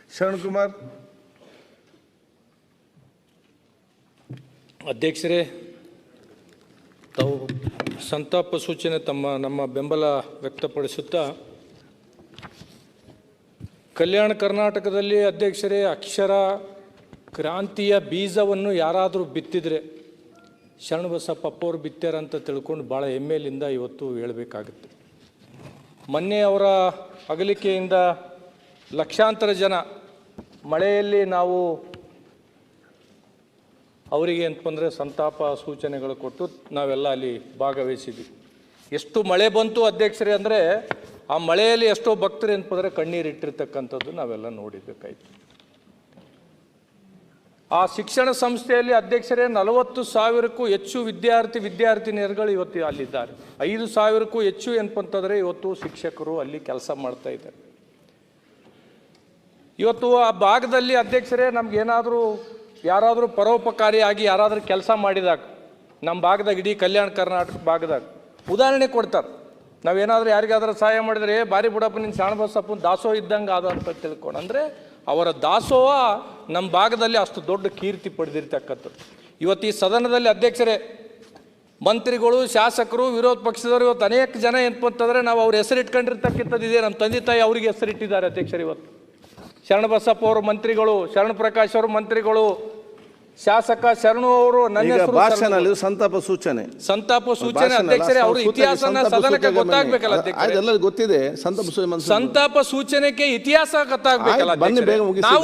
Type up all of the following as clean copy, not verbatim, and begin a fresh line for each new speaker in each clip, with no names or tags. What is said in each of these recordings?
ಶರಣಕುಮಾರ್.
ಅಧ್ಯಕ್ಷರೇ, ತಾವು ಸಂತಾಪ ಸೂಚನೆ ನಮ್ಮ ಬೆಂಬಲ ವ್ಯಕ್ತಪಡಿಸುತ್ತಾ ಕಲ್ಯಾಣ ಕರ್ನಾಟಕದಲ್ಲಿ ಅಧ್ಯಕ್ಷರೇ ಅಕ್ಷರ ಕ್ರಾಂತಿಯ ಬೀಜವನ್ನು ಯಾರಾದರೂ ಬಿತ್ತಿದರೆ ಶರಣಬಸಪ್ಪ ಅಪ್ಪವರು ಬಿತ್ತಾರಂತ ತಿಳ್ಕೊಂಡು ಭಾಳ ಹೆಮ್ಮೆಯಿಂದ ಇವತ್ತು ಹೇಳಬೇಕಾಗುತ್ತೆ. ಮೊನ್ನೆ ಅವರ ಅಗಲಿಕೆಯಿಂದ ಲಕ್ಷಾಂತರ ಜನ ಮಳೆಯಲ್ಲಿ ನಾವು ಅವರಿಗೆ ಅಂತಂದರೆ ಸಂತಾಪ ಸೂಚನೆಗಳು ಕೊಟ್ಟು ನಾವೆಲ್ಲ ಅಲ್ಲಿ ಭಾಗವಹಿಸಿದ್ವಿ. ಎಷ್ಟು ಮಳೆ ಬಂತು ಅಧ್ಯಕ್ಷರೇ ಅಂದರೆ ಆ ಮಳೆಯಲ್ಲಿ ಎಷ್ಟೋ ಭಕ್ತರು ಅಂತಂದರೆ ಕಣ್ಣೀರಿಟ್ಟಿರ್ತಕ್ಕಂಥದ್ದು ನಾವೆಲ್ಲ ನೋಡಿಬೇಕಾಯಿತು. ಆ ಶಿಕ್ಷಣ ಸಂಸ್ಥೆಯಲ್ಲಿ ಅಧ್ಯಕ್ಷರೇ 40,000ಕ್ಕೂ ಹೆಚ್ಚು ವಿದ್ಯಾರ್ಥಿನಿಯರುಗಳು ಇವತ್ತು ಅಲ್ಲಿದ್ದಾರೆ. 5,000ಕ್ಕೂ ಹೆಚ್ಚು ಏನಪ್ಪಂತಂದರೆ ಇವತ್ತು ಶಿಕ್ಷಕರು ಅಲ್ಲಿ ಕೆಲಸ ಮಾಡ್ತಾ ಇದ್ದಾರೆ. ಇವತ್ತು ಆ ಭಾಗದಲ್ಲಿ ಅಧ್ಯಕ್ಷರೇ ನಮಗೇನಾದರೂ ಯಾರಾದರೂ ಪರೋಪಕಾರಿಯಾಗಿ ಯಾರಾದರೂ ಕೆಲಸ ಮಾಡಿದಾಗ ನಮ್ಮ ಭಾಗದಾಗ ಇಡೀ ಕಲ್ಯಾಣ ಕರ್ನಾಟಕ ಭಾಗದಾಗ ಉದಾಹರಣೆ ಕೊಡ್ತಾರೆ. ನಾವೇನಾದರೂ ಯಾರಿಗಾದ್ರೂ ಸಹಾಯ ಮಾಡಿದರೆ ಬಾರಿ ಬಿಡಪ್ಪ ನಿನ್ನ ಶರಣಬಸಪ್ಪನ ದಾಸೋಹ ಇದ್ದಂಗೆ ಆದ ಅಂತ ತಿಳ್ಕೊಂಡು, ಅಂದರೆ ಅವರ ದಾಸೋಹ ನಮ್ಮ ಭಾಗದಲ್ಲಿ ಅಷ್ಟು ದೊಡ್ಡ ಕೀರ್ತಿ ಪಡೆದಿರ್ತಕ್ಕಂಥದ್ದು. ಇವತ್ತು ಈ ಸದನದಲ್ಲಿ ಅಧ್ಯಕ್ಷರೇ ಮಂತ್ರಿಗಳು, ಶಾಸಕರು, ವಿರೋಧ ಪಕ್ಷದವರು ಇವತ್ತು ಅನೇಕ ಜನ ಏನಪ್ಪಂತಂದರೆ ನಾವು ಅವ್ರ ಹೆಸರಿಟ್ಕೊಂಡಿರ್ತಕ್ಕಂಥದ್ದು ಇದೆ. ನಮ್ಮ ತಂದೆ ತಾಯಿ ಅವರಿಗೆ ಹೆಸರಿಟ್ಟಿದ್ದಾರೆ ಅಧ್ಯಕ್ಷರೇ. ಇವತ್ತು ಶರಣಬಸಪ್ಪ ಅವರು ಮಂತ್ರಿಗಳು, ಶರಣ ಪ್ರಕಾಶ್ ಅವರು ಮಂತ್ರಿಗಳು, ಶಾಸಕ ಶರಣು ಅವರು ನನ್ನ
ಭಾಷಣ ಸಂತಾಪ ಸೂಚನೆ
ಅಧ್ಯಕ್ಷರೇ ಅವ್ರ ಇತಿಹಾಸನ ಸದನಕ್ಕೆ ಗೊತ್ತಾಗ್ಬೇಕಲ್ಲ
ಅಧ್ಯಕ್ಷರೇ. ಗೊತ್ತಿದೆ
ಸಂತಾಪ ಸೂಚನೆಗೆ ಇತಿಹಾಸ ಗೊತ್ತಾಗ್ಬೇಕಲ್ಲ. ನಾವು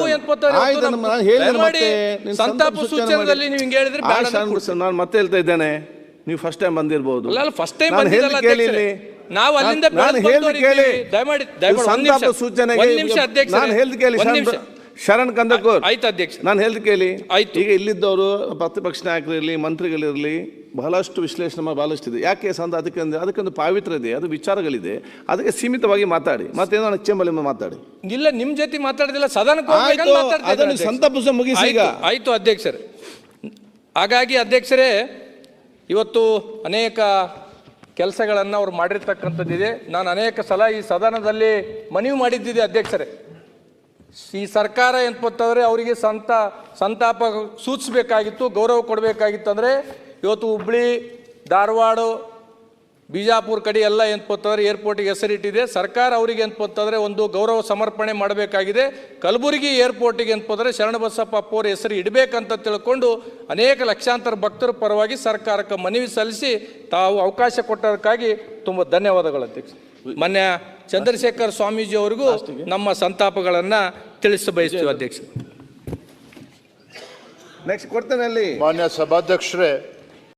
ಸಂತಾಪ ಸೂಚನೆಯಲ್ಲಿ ನೀವು ಹಿಂಗೆ ಹೇಳಿದ್ರೆ
ನಾನು ಮತ್ತೆ ಹೇಳ್ತಾ ಇದ್ದೇನೆ, ನೀವು ಫಸ್ಟ್ ಟೈಮ್ ಬಂದಿರಬಹುದು.
ಫಸ್ಟ್ ಟೈಮ್ ಬಂದಿರಲ್ಲ ಅಧ್ಯಕ್ಷರೇ. ನಾವು ಅಲ್ಲಿಂದ
ಸಂತಾಪ ಸೂಚನೆಗೆ ಶರಣ್ ಕಂದಕೂರ್
ಆಯ್ತು ಅಧ್ಯಕ್ಷ,
ನಾನು ಹೇಳ್ದು ಕೇಳಿ. ಈಗ ಇಲ್ಲಿದ್ದವರು ಪ್ರತಿಪಕ್ಷ ನಾಯಕರಿರಲಿ, ಮಂತ್ರಿಗಳಿರಲಿ, ಬಹಳಷ್ಟು ವಿಶ್ಲೇಷಣೆ ಬಹಳಷ್ಟು ಇದೆ. ಯಾಕೆ ಅದಕ್ಕೊಂದು ಪಾವಿತ್ರ ಇದೆ, ಅದು ವಿಚಾರಗಳಿದೆ. ಅದಕ್ಕೆ ಸೀಮಿತವಾಗಿ ಮಾತಾಡಿ, ಮತ್ತೇನೋ ಚೇಂಬಲ್ಲಿ ಮಾತಾಡಿ.
ಇಲ್ಲ, ನಿಮ್ ಜೊತೆ ಮಾತಾಡಿದಿಲ್ಲ, ಸದನಕ್ಕೆ
ಸಂತಾಪ ಮುಗಿಸಿ ಈಗ
ಆಯ್ತು ಅಧ್ಯಕ್ಷರೇ. ಹಾಗಾಗಿ ಅಧ್ಯಕ್ಷರೇ ಇವತ್ತು ಅನೇಕ ಕೆಲಸಗಳನ್ನು ಅವ್ರು ಮಾಡಿರ್ತಕ್ಕಂಥದ್ದಿದೆ. ನಾನು ಅನೇಕ ಸಲ ಈ ಸದನದಲ್ಲಿ ಮನವಿ ಮಾಡಿದ್ದಿದೆ ಅಧ್ಯಕ್ಷರೇ. ಈ ಸರ್ಕಾರ ಏನಪ್ಪಂತಂದರೆ ಅವರಿಗೆ ಸಂತಾಪ ಸೂಚಿಸಬೇಕಾಗಿತ್ತು, ಗೌರವ ಕೊಡಬೇಕಾಗಿತ್ತು. ಅಂದರೆ ಇವತ್ತು ಹುಬ್ಳಿ, ಧಾರವಾಡ, ಬಿಜಾಪುರ ಕಡೆ ಎಲ್ಲ ಏನಪ್ಪಂತಂದರೆ ಏರ್ಪೋರ್ಟಿಗೆ ಹೆಸರಿಟ್ಟಿದೆ. ಸರ್ಕಾರ ಅವರಿಗೆ ಏನಪ್ಪಂತಂದರೆ ಒಂದು ಗೌರವ ಸಮರ್ಪಣೆ ಮಾಡಬೇಕಾಗಿದೆ. ಕಲಬುರಗಿ ಏರ್ಪೋರ್ಟಿಗೆ ಏನಪ್ಪಂದರೆ ಶರಣಬಸಪ್ಪ ಅಪ್ಪವ್ರ ಹೆಸರು ಇಡಬೇಕಂತ ತಿಳ್ಕೊಂಡು ಅನೇಕ ಲಕ್ಷಾಂತರ ಭಕ್ತರ ಪರವಾಗಿ ಸರ್ಕಾರಕ್ಕೆ ಮನವಿ ಸಲ್ಲಿಸಿ ತಾವು ಅವಕಾಶ ಕೊಟ್ಟದಕ್ಕಾಗಿ ತುಂಬ ಧನ್ಯವಾದಗಳು ಅಧ್ಯಕ್ಷ. ಮಾನ್ಯ ಚಂದ್ರಶೇಖರ್ ಸ್ವಾಮೀಜಿ ಅವರಿಗೂ ನಮ್ಮ ಸಂತಾಪಗಳನ್ನು ತಿಳಿಸ ಬಯಸ್ತೀವಿ ಅಧ್ಯಕ್ಷ.
ನೆಕ್ಸ್ಟ್ ಕೊಡ್ತೇನೆ ಅಲ್ಲಿ
ಮಾನ್ಯ ಸಭಾಧ್ಯಕ್ಷರೇ.